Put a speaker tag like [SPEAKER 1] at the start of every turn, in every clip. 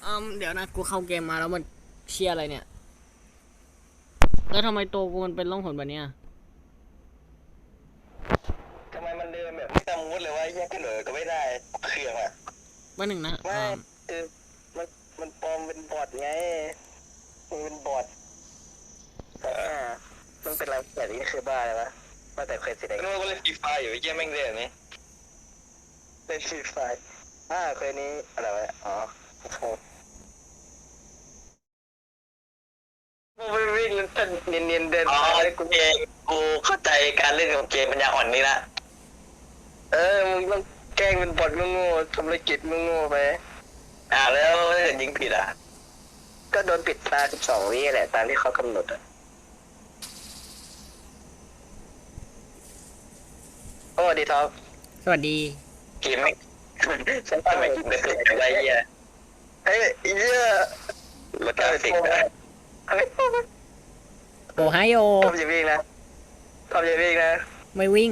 [SPEAKER 1] เดี๋ยวนะกูเข้าเกมมาแล้วมันเชียร์อะไรเนี่ยแล้วทำไมตัวกูมันเป็นร่องหนแบบเนี้ย
[SPEAKER 2] ทำไมมันเดินแบบไม่ตามมูดเลยว่าแยกกันเลยก็ไม่ได้เครื่องอ่ะ
[SPEAKER 1] วันหนึ่งนะ
[SPEAKER 2] ไม่คือมันมันปลอมเป็นบอทไงมันเป็นบอทมันเป็นอะไรแบบนี้คือบ้าเลยวะมาแต่เคยสิได้ก็เล่นฟรีไฟอยู่แย่แม่งเล่นนี้เล่นฟรีไฟเคยนี้อะไรวะอ๋อกูไปวิ่งแล้วเนียนเดินไปกูเองกูเข้าใจการเล่นของเกมปัญญาอ่อนนี่ละมึงต้องแกล้งเป็นบอทโง่ๆทำธุรกิจโง่ๆไปแล้วถ้าเกิดยิงผิดก็โดนปิดตา12 วิแหละตามที่เขากำหนดโอ้ดีท็อป
[SPEAKER 1] สวัสดี
[SPEAKER 2] เกมไม่ฉันทำไมกินแต่เกิดอะไรเงี้ยเหี้ยรถกราฟิก
[SPEAKER 1] โอไฮโอ
[SPEAKER 2] ทำอย่าวิ่งนะทำอย่าวิ่งนะ
[SPEAKER 1] ไม่วิ่ง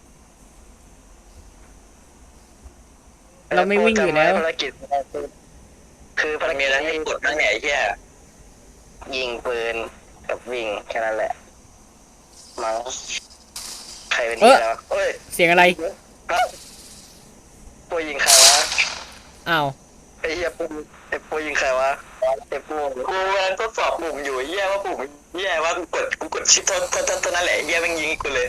[SPEAKER 1] เราไม่วิ่งอยู่แล้ว
[SPEAKER 2] ภารกิจคือภารกิจนั้นให้กดนั่งไหนแค่ยิงปืนกับวิ่งแค่นั้นแหละมั้งใครเป็นนี่แล้ว
[SPEAKER 1] เสียงอะไร
[SPEAKER 2] ปูยิงใครวะ
[SPEAKER 1] อ้าว
[SPEAKER 2] ไอ้เหี้ยปูยิงใครวะไอ้ปูกูกำลังทดสอบปุ่มอยู่เหี้ยว่าปุ่มเหี้ยว่ากูกดชิปเท่านั้นแหละเหี้ยมันยิงกูเลย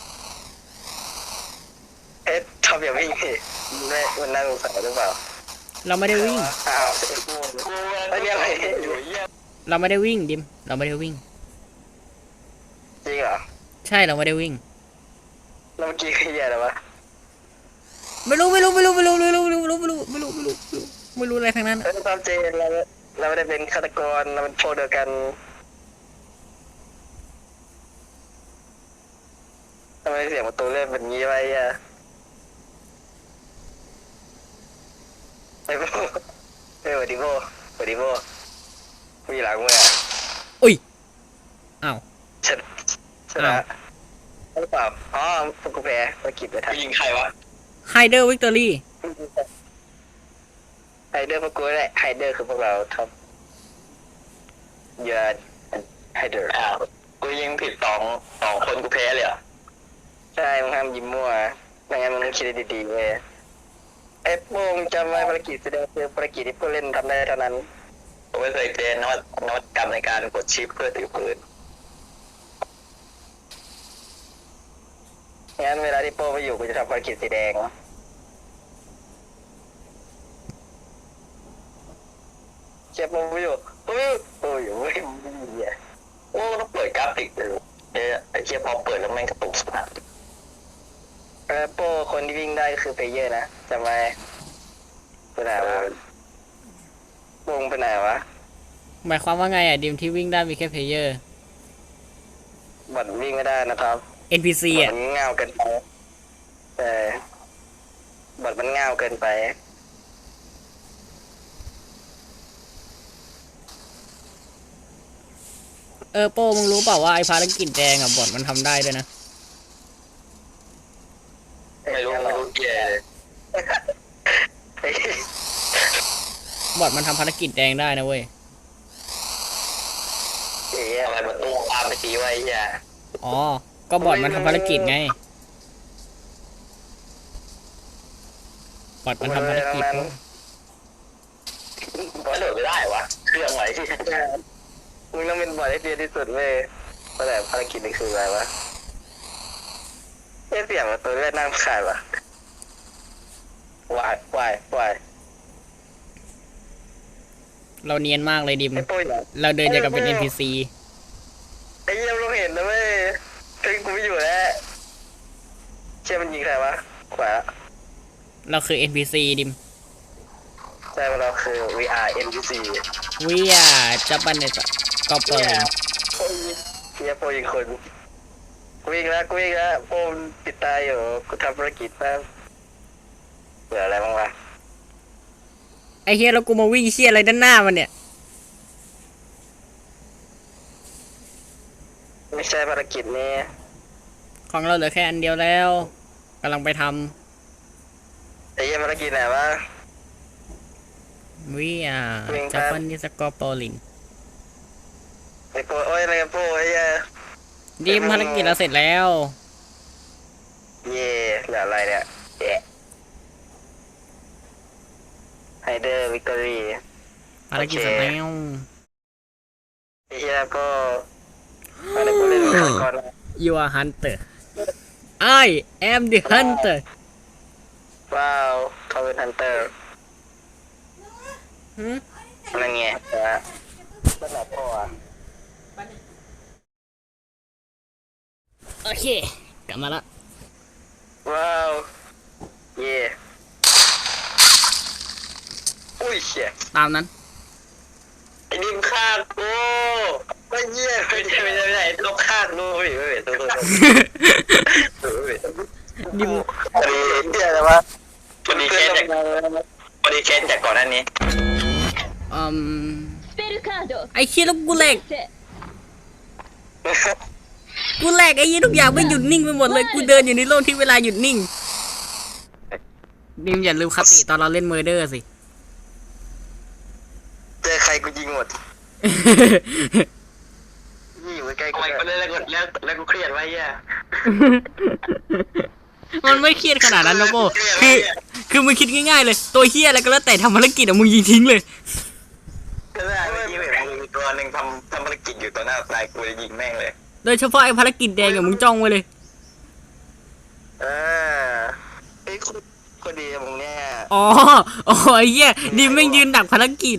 [SPEAKER 2] ทำอย่างวิ่งไม่มันน่าสงสัยหรือเปล่า
[SPEAKER 1] เราไม่ได้วิ่ง
[SPEAKER 2] ไอ้เนี่ยอะไรอยู่เหี้ย
[SPEAKER 1] เราไม่ได้วิ่งดิมเราไม่ได้วิ่ง
[SPEAKER 2] จริงเหรอ
[SPEAKER 1] ใช่เราไม่ได้วิ่ง
[SPEAKER 2] แล้วเมื่อกี้คือเหี้ยอะไรวะ
[SPEAKER 1] ไม่รู้อะไรทั้งนั้น
[SPEAKER 2] ตามเจนเราไม่ได้เป็นฆาตกรเราเป็นพวกเดียวกันทำไมเสียงประตูเล่นแบบนี้ไว้ไอ้โบสวัสดีโบมีหลังมือ
[SPEAKER 1] อุ้ยอ้าว
[SPEAKER 2] ชนะหรือเปล่าพวกกูแพ้ภารกิจไปทำยิงใครวะ
[SPEAKER 1] ไฮเดอร์วิกตอรี่
[SPEAKER 2] ไฮเดอร์พวกกูแหละไฮเดอร์คือพวกเราท็อปเยอะไฮเดอร์กูยิงผิดสองคนกูแพ้เลยใช่มึงห้ามยิ้มมั่วไม่งั้นมึงต้องคิดดีๆเลยไอ้โป้งจำไว้ภารกิจแสดงคือภารกิจที่ผู้เล่นทำได้เท่านั้นผมไม่เคยเจอนวัตกรรมในการกดชิปเพื่อถือปืนงั้นเวลาที่โป้ไปอยู่กูจะทำภารกิจสีแดงเจ็บโป้ไปอยู่โอ้ยไม่ต้องเปิดกราฟิกเลยไอ้เชี่ยพอเปิดแล้วแม่งกระตุกสุดนะโป้คนที่วิ่งได้คือเพลเยอร์นะจำไว้ไปไหนวะวงไปไหนวะ
[SPEAKER 1] หมายความว่าไงดิมที่วิ่งได้มีแค่เพลเยอร์
[SPEAKER 2] บอทวิ่งไม่ได้นะครับ
[SPEAKER 1] NPC
[SPEAKER 2] มันเงาเกินไปบอทมันเงาเกินไป
[SPEAKER 1] โป้มึงรู้เปล่าว่าไอ้ภารกิจแดงบอทมันทำได้ด้วยนะ
[SPEAKER 2] ไม่รู้เย่
[SPEAKER 1] บอทมันทำภารกิจแดงได้นะเว้ย
[SPEAKER 2] อะไรมันตู้ตามไปทีไว้
[SPEAKER 1] อ๋อก็บอทมันทำภารกิจไงบอทมันทำภารกิจ
[SPEAKER 2] ก็โดดไม่ได้วะเครื่องไหนที่มึงต้องเป็นบอทที่เดียที่สุดเว้ยแต่ภารกิจนี่คืออะไรวะเสียงตัวเล่นนั่งขาดวะวาย
[SPEAKER 1] เราเนียนมากเลยดิมเราเดินอย่างกับเป็น NPC
[SPEAKER 2] ไอ้เยี่ยมเราเห็นนะเว้ยถึงกูไม่อยู่แล้วเชื่อมันยิงใครวะขวา
[SPEAKER 1] เราคือ NPC ดิม
[SPEAKER 2] ใช่เราคือ VR NPC
[SPEAKER 1] วิอาจับบันเนี่ยก็เปิด
[SPEAKER 2] เฮียโปยิงคนวิ่งแล้วโปมปิดตาอยู่กูทำภารกิจแป๊บเหลืออะไรบ้างวะ
[SPEAKER 1] ไอเฮียแล้วกูมาวิ่งเชี่ยอะไรด้านหน้ามันเนี่ย
[SPEAKER 2] ไม่ใช่ภารกิจนี้
[SPEAKER 1] ของเราเหลือแค่อันเดียวแล้วกำลังไปทำ
[SPEAKER 2] ไอ้เหี้ยภารกิจไหนวะ
[SPEAKER 1] We are
[SPEAKER 2] วิ่งครับ
[SPEAKER 1] Japanese Goblin
[SPEAKER 2] ไอ้โป้โอ้ยอะไรกันโป้ไอ้เหี้ย
[SPEAKER 1] ดิมภารกิจเราเสร็จแล้ว
[SPEAKER 2] เย่เหลืออะไรเนี่ยเย่ไฮเดอร์วิกตอรี่
[SPEAKER 1] ภารกิจเสร็จแล้ว
[SPEAKER 2] ไอ้เหี้ยก็อะไรกูเล่นก่อนก่อนนะ
[SPEAKER 1] You are hunter I am the hunter
[SPEAKER 2] ว้าวเขาเป็นฮันเตอร์
[SPEAKER 1] หืม
[SPEAKER 2] นั่นไงนะนั่นแหละพ่ออะ
[SPEAKER 1] โอเค กลับมาละ
[SPEAKER 2] ว้าวเย่อุ้ยเชี่ย
[SPEAKER 1] ตามนั้น
[SPEAKER 2] ไอ้ดิมฆ่ากูก็เยี่ยไม่ได้ลบฆ่ากูไม่ตัว
[SPEAKER 1] ดิม
[SPEAKER 2] พอดีเยี่ยอะไรวะพอดีเคสจากก่อนหน้านี้
[SPEAKER 1] อืม
[SPEAKER 3] スペルカード
[SPEAKER 1] ไอ้เชี่ยแล้วกูแหลก
[SPEAKER 3] せ
[SPEAKER 1] กูแหลกไอ้ยี่ทุกอย่างไม่หยุดนิ่งไปหมดเลย กูเดินอยู่ในโลกที่เวลาหยุดนิ่ง ดิมอย่าลืมคติตอนเราเล่นเมอร์เดอร์สิ
[SPEAKER 2] เจอใครกูยิงหมดนี่อยู่ใกล้กูเลยแล้วกูเครียดไว้เยี่ย
[SPEAKER 1] มันไม่เครียดขนาดนั้นนะโบคือมึงคิดง่ายๆเลย ตัวเฮียอะไรก็แล้วแต่ทำภารกิจอะมึงยิงทิ้งเลย
[SPEAKER 2] ก็ได้เมื่อกี้เห็นมึงมีตัวหนึ่งทำภารกิจอยู่ต่อหน้าตายกูเลยยิงแม่งเลย
[SPEAKER 1] โดยเฉพาะไอ้ภารกิจแดงอะมึงจ้องไว้เลย
[SPEAKER 2] ไอ้คนดีมึงเนี่ย
[SPEAKER 1] อ๋อไอ้เหี้ยดิมแม่งยืนดักภารกิจ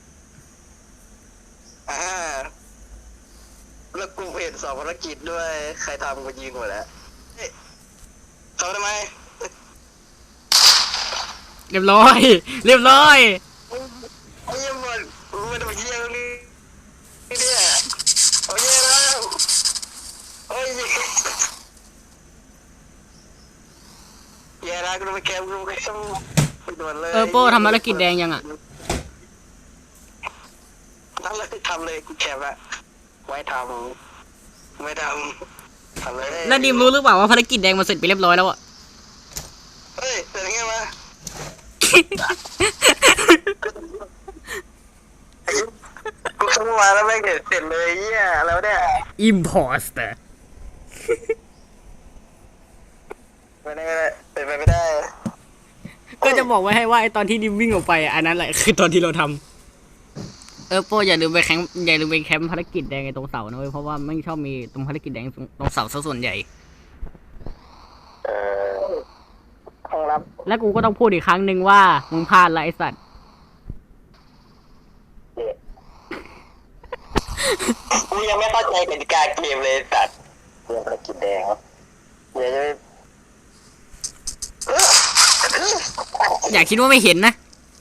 [SPEAKER 2] แล้วกูเห็น2 ภารกิจด้วยใครทำกูยิงหมดแล้วเขาทำไม
[SPEAKER 1] เรียบร้อย เรียบร้อย
[SPEAKER 2] ไอ้ยังหมดมันทำเยี่ยงนี่เนี่ยเอาเยี่ยแล้วโอ้ยเยี่ยแล้วกูไปแคมไปด่วนเลย
[SPEAKER 1] โป้ทำภารกิจแดงยังอะ
[SPEAKER 2] ทำเลยกูแคมอะไว้ทำไม่ทำเลย
[SPEAKER 1] แล้วดิมรู้หรือเปล่าว่าภารกิจแดงมันเสร็จไปเรียบร้อยแล้วอะ
[SPEAKER 2] เฮ้ยเป็นไงวะกูเข้ามาแล้วไม่เห็นเสร็จเลยเยี่ยแล้วเนี่ย
[SPEAKER 1] Imposter
[SPEAKER 2] ไม่ได้เป็นไปไม่ได้
[SPEAKER 1] ก็จะบอกไว้ให้ว่าไอ้ตอนที่ดิมวิ่งออกไปอันนั้นแหละคือตอนที่เราทำโป้อย่าลืมไปแคมป์ภารกิจแดงไอ้ตรงเสานะเว้ยเพราะว่าไม่ชอบมีตรงภารกิจแดงตรงเสาซะส่วนใหญ่
[SPEAKER 2] ห้องรับ
[SPEAKER 1] และกูก็ต้องพูดอีกครั้งหนึ่งว่ามึงพลาดละไอ้สัตว์
[SPEAKER 2] กูยังไม่เข้าใจกติกาเกมเลยสัตว์เรื่องภารกิจแดงเดี๋ยวจะไป
[SPEAKER 1] อย่าคิดว่าไม่เห็นนะ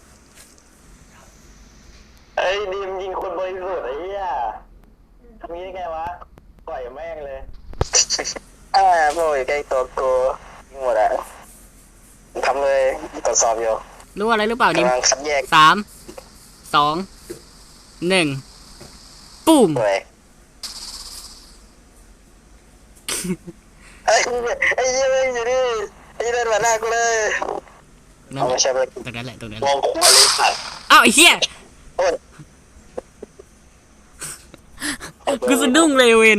[SPEAKER 2] ไอ้ดิมยิงคนบริสุทธิ์ไอ้เหี้ยทำงี้ได้ไงวะปล่อยแม่งเลยโว้ยใกล้ตัวกูยิงหมดอะทำเลยตรวจสอบอยู่
[SPEAKER 1] รู้อะไรหรือเปล่าดิม
[SPEAKER 2] กำลังคัดแยก
[SPEAKER 1] 3 2 1ปุ้ม
[SPEAKER 2] เลยไอ้เหี้ยไม่อยู่นี่ไอ้เดินมาหน้ากูเลย
[SPEAKER 1] นั่น
[SPEAKER 2] เอา
[SPEAKER 1] แห
[SPEAKER 2] ไม่
[SPEAKER 1] ละ
[SPEAKER 2] ใช่เลย
[SPEAKER 1] ตรงนั้นแหละตรงนั้น
[SPEAKER 2] มองขวาเลยสัตว์
[SPEAKER 1] อ้าวไอ้เหี้ย
[SPEAKER 2] โอ้ย
[SPEAKER 1] กูสะดุ้งเลยเวน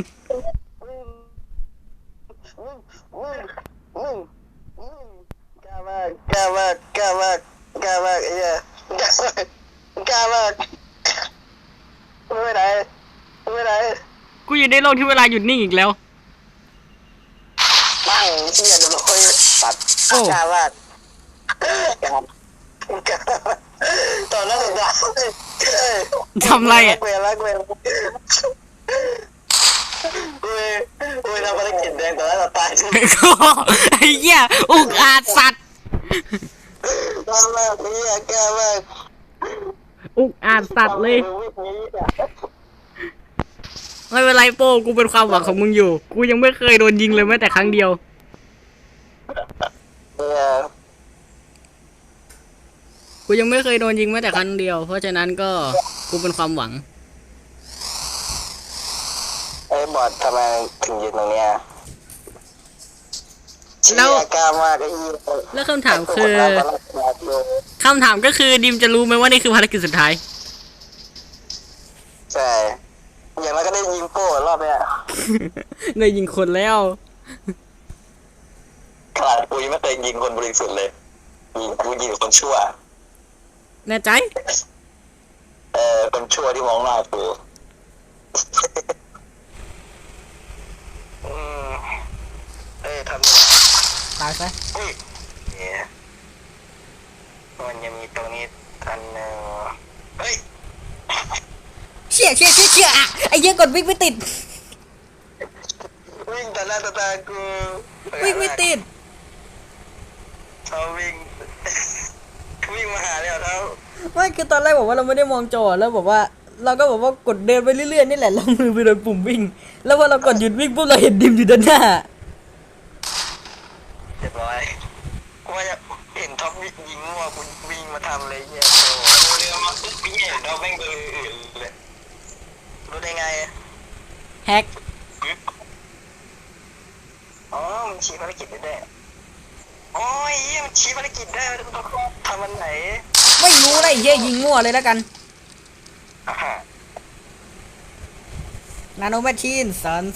[SPEAKER 2] กล้ามากกล้ามากกล้ามากกล้ามากไอ้เหี้ยกล้ามากไม่ไหนไม่ไหน
[SPEAKER 1] กูอยู่ในโลกที่เวลาหยุดนิ่งอีกแล้ว
[SPEAKER 2] บ้างเหี้ยโดนค่อยตัดกล้ามากกล้ามตอนนั้นสุดยอด
[SPEAKER 1] ทำไรอ่ะ
[SPEAKER 2] เวลาเวลาเวลาภารกิจแดงตอนนั้นเราตายใช่ไหม
[SPEAKER 1] ไอ้เหี้ยอุกอาจสัตว์
[SPEAKER 2] กล้ามากเหี้ยกล้ามาก
[SPEAKER 1] อุกอาจสัตว์เลย ไม่เป็นไรโป้กูเป็นความหวังของมึงอยู่ กูยังไม่เคยโดนยิงเลยแม้แต่ครั้งเดียว กูยังไม่เคยโดนยิงแม้แต่ครั้งเดียว เพราะฉะนั้นก็กูเป็นความหวัง
[SPEAKER 2] ไอ้บอดทำไมถึงยืนตรงเนี้ย
[SPEAKER 1] แล้ว
[SPEAKER 2] กล้ามากไอ้ยี่
[SPEAKER 1] แล้วคำถามคือคำถามก็คือดิมจะรู้ไหมว่านี่คือภารกิจสุดท้าย
[SPEAKER 2] ใช่อย่างนั้นก็ได้ยิงโป้รอบเนี้ย
[SPEAKER 1] ได้ยิงคนแล้ว
[SPEAKER 2] ขนาดกูยังไม่เคยยิงคนบริสุทธิ์เลยกูยิงคนชั่ว
[SPEAKER 1] แน่ใจ
[SPEAKER 2] คนชั่วที่มองหน้ากูทำยังไง
[SPEAKER 1] ตายซะ
[SPEAKER 2] เนี่ยมันยังมีตรงนี้อันหนึ่งเฮ้ย
[SPEAKER 1] เชี่ยอ่ะไอ้เหี้ยกดวิ่งไม่ติด
[SPEAKER 2] วิ่งแต่หน้าตากู
[SPEAKER 1] วิ่งไม่ติด
[SPEAKER 2] เขาวิ่ง วิ่งมาหาแล้วเขา
[SPEAKER 1] ไม่คือตอนแรกบอกว่าเราไม่ได้มองจอแล้วบอกว่า เราก็บอกว่ากดเดินไปเรื่อยๆนี่แหละแล้วมือไปโดนปุ่มวิ่ง แล้วพอเรากดหยุดวิ่งปุ๊บเราเห็นดิมอยู่ด้านหน้า
[SPEAKER 2] เรียบร้อยกูว่าจะเห็นท็อปยิงมั่วกูวิ่งมาทำเลยเนี่ยโอ้โหเรือมาปุ๊บวิ่งเห็นท็อปแม่งตัวอื่นเลยรู้ได้ไง
[SPEAKER 1] แฮก
[SPEAKER 2] อ๋อมันชี้ภารกิจได้ด้วยโอ้ยเหี้ยมันชี้ภารกิจได้มันต้องทำมันไหน
[SPEAKER 1] ไม่รู้นะไอ้เหี้ยยิงมั่วเลยแล้วกัน
[SPEAKER 2] อ่าฮะ
[SPEAKER 1] นาโนแมชชีนซัน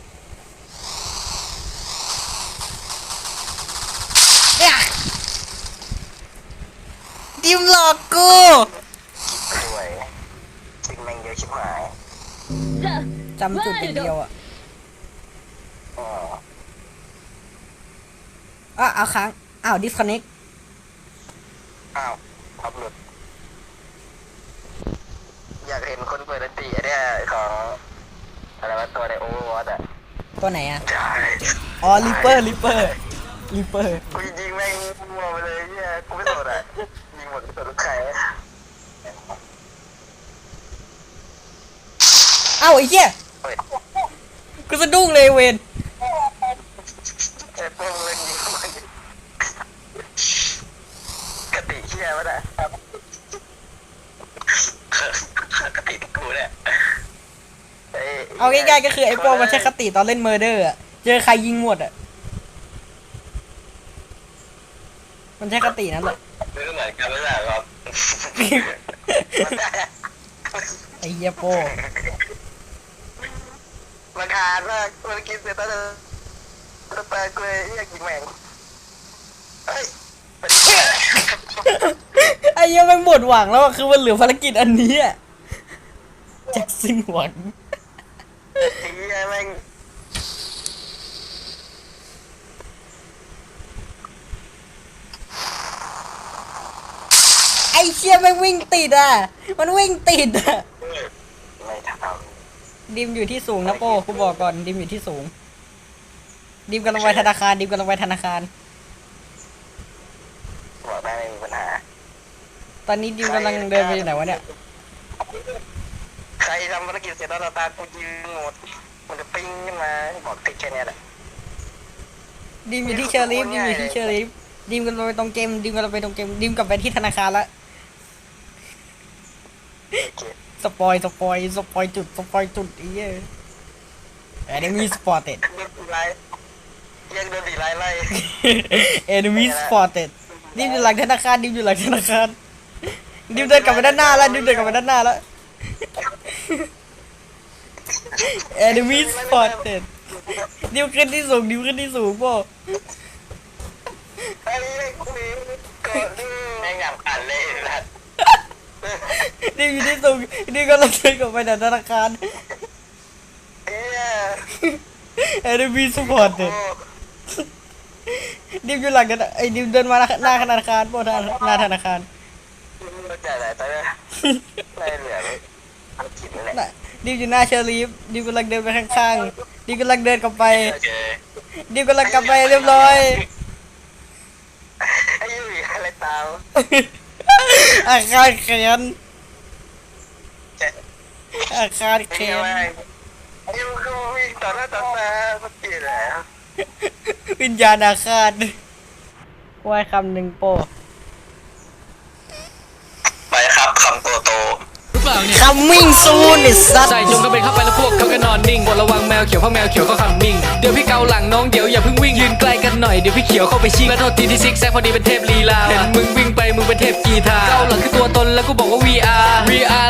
[SPEAKER 1] ดิมหลอกกู
[SPEAKER 2] ด้วยซึ่งแม่งเยอะชิบหาย
[SPEAKER 1] จำจุดเป็นเดียวอ่ะ
[SPEAKER 2] อ๋อ
[SPEAKER 1] เอาค้างอ้าวดิสคอนเน c
[SPEAKER 2] อ้าวท็อปหลุดอยากเห็นคนเปิดดนตรีเนี่ยของอะไรวะตัวในโอเวอร์วอตอ่ะ
[SPEAKER 1] ตัวไหนอ่ะ
[SPEAKER 2] ใช่
[SPEAKER 1] อ๋อลิปเปอร์
[SPEAKER 2] กูยิงแม่งมัวไปเลยเนี่ยกูไม่สนอ่ะยิงหมดไม่สนลูกใคร
[SPEAKER 1] เอ้าไอ้เหี้ย
[SPEAKER 2] เฮ้ย
[SPEAKER 1] กูสะดุ้งเลยเวน
[SPEAKER 2] ไอ้พวกเล่นยิงมันกติเชี่ยวะน่ะกติกูเนี่ย
[SPEAKER 1] เอาง่ายๆก็คือไอ้โป้มันใช้คติตอนเล่นเมอร์เดอร์อ่ะเจอใครยิงหมดอ่ะมันใช้คตินั่นแหละ
[SPEAKER 2] ไม่เหมือนกันไม่ใช่ครับ
[SPEAKER 1] ไอ้เหี้ยโป้
[SPEAKER 2] ราคาญมากมันกินเสร็จแล้วจะตายกูเลยอยากกินแมงเฮ้ย
[SPEAKER 1] ไอ้เหี้ยแม่งหมดหวังแล้วอะคือมันเหลือภารกิจอันนี้อะจากสิ้นหวัง
[SPEAKER 2] ไอ้เหี้ยแม่ง
[SPEAKER 1] ไอ้เชี่ยแม่งวิ่งติดอ่ะมันวิ่งติดอ่ะ
[SPEAKER 2] ไม่ท
[SPEAKER 1] ดิมอยู่ที่สูงนะโป้กูบอกก่อนดิมอยู่ที่สูงดิมกำลังไปธนาคารดิมกำลังไปธนาคาร
[SPEAKER 2] ำบอกได้ไม่มีปัญหา
[SPEAKER 1] ตอนนี้ดิมกำลังเดินไปอยู่ไหนวะเนี่ย
[SPEAKER 2] ใครทำภารกิจเสร็จแล้วตากูยืนหมดมันจะปิ้งขึ้นมาบอกติดแค่นี้แหละ
[SPEAKER 1] ดิมอยู่ที่เชอร์ลีฟดิมอยู่ที่เชอร์ลีฟดิมกำลังไปตรงเกมดิมกำลังไปตรงเกมดิมกลับไปที่ธนาคารละ
[SPEAKER 2] โอเค
[SPEAKER 1] สปอยจุดไอ้เหี้ยenemy spotted
[SPEAKER 2] โดนตีไล่ยังโดนตีไล่ไล่
[SPEAKER 1] enemy spotted ดิมอยู่หลังธนาคารดิมอยู่หลังธนาคารดิมเดินกลับไปด้านหน้าแล้วดิมเดินกลับไปด้านหน้าแล้ว enemy spotted ดิมขึ้นที่สูงดิมขึ้นที่สูงป่ะ
[SPEAKER 2] ไอ้กูนี่ก่อนดูแม่งหยาบขันเลยนะ
[SPEAKER 1] ดิมอยู่ที่สูงดิมก็เลยเดินกลับไปในธนาคาร
[SPEAKER 2] เอ้ย
[SPEAKER 1] enemy spotted ดิมอยู่หลังกันไอ้ดิมเดินมาหน้าธนาคารป่ะหน้าธนาคาร
[SPEAKER 2] จ่ายอะไรไปเลยได้เหลืออันกินนั่นแหละ
[SPEAKER 1] น่ะดิมอยู่หน้าเชอรีฟดิมกำลังเดินไปข้างๆดิมกำลังเดินกลับไป
[SPEAKER 2] โอเค
[SPEAKER 1] ดิมกำลังกลับไปเรียบร้อย
[SPEAKER 2] ไอ้ยูอะไรตาม
[SPEAKER 1] อาคารแขนอาคารแข
[SPEAKER 2] เขีย
[SPEAKER 1] น
[SPEAKER 2] ไอ้ยูก็วิ่งต่อหน้าต่อตาเมื่อกี้แหละ
[SPEAKER 1] วิญญาณอาคารว่ายคำหนึ่งโป
[SPEAKER 2] ไปครับคำโตโต
[SPEAKER 1] หรือเปล่า
[SPEAKER 3] เนี่ย
[SPEAKER 1] coming soon ไอ้สัส
[SPEAKER 3] ใส่จงกระเบนเข้าไปแล้วพวกเขาก็นอนนิ่งบทระวังแมวเขียวเพราะแมวเขียวเขาคัมมิ่งเดี๋ยวพี่เกาหลังน้องเดี๋ยวอย่าเพิ่งวิ่งยืนใกล้กันหน่อยเดี๋ยวพี่เขียวเข้าไปชิงและโทษทีที่ซิกแซกพอดีเป็นเทพลีลาเห็นมึงวิ่งไปมึงเป็นเทพกีตาร์เกาหลังคือตัวตนแล้วกูบอกว่า VR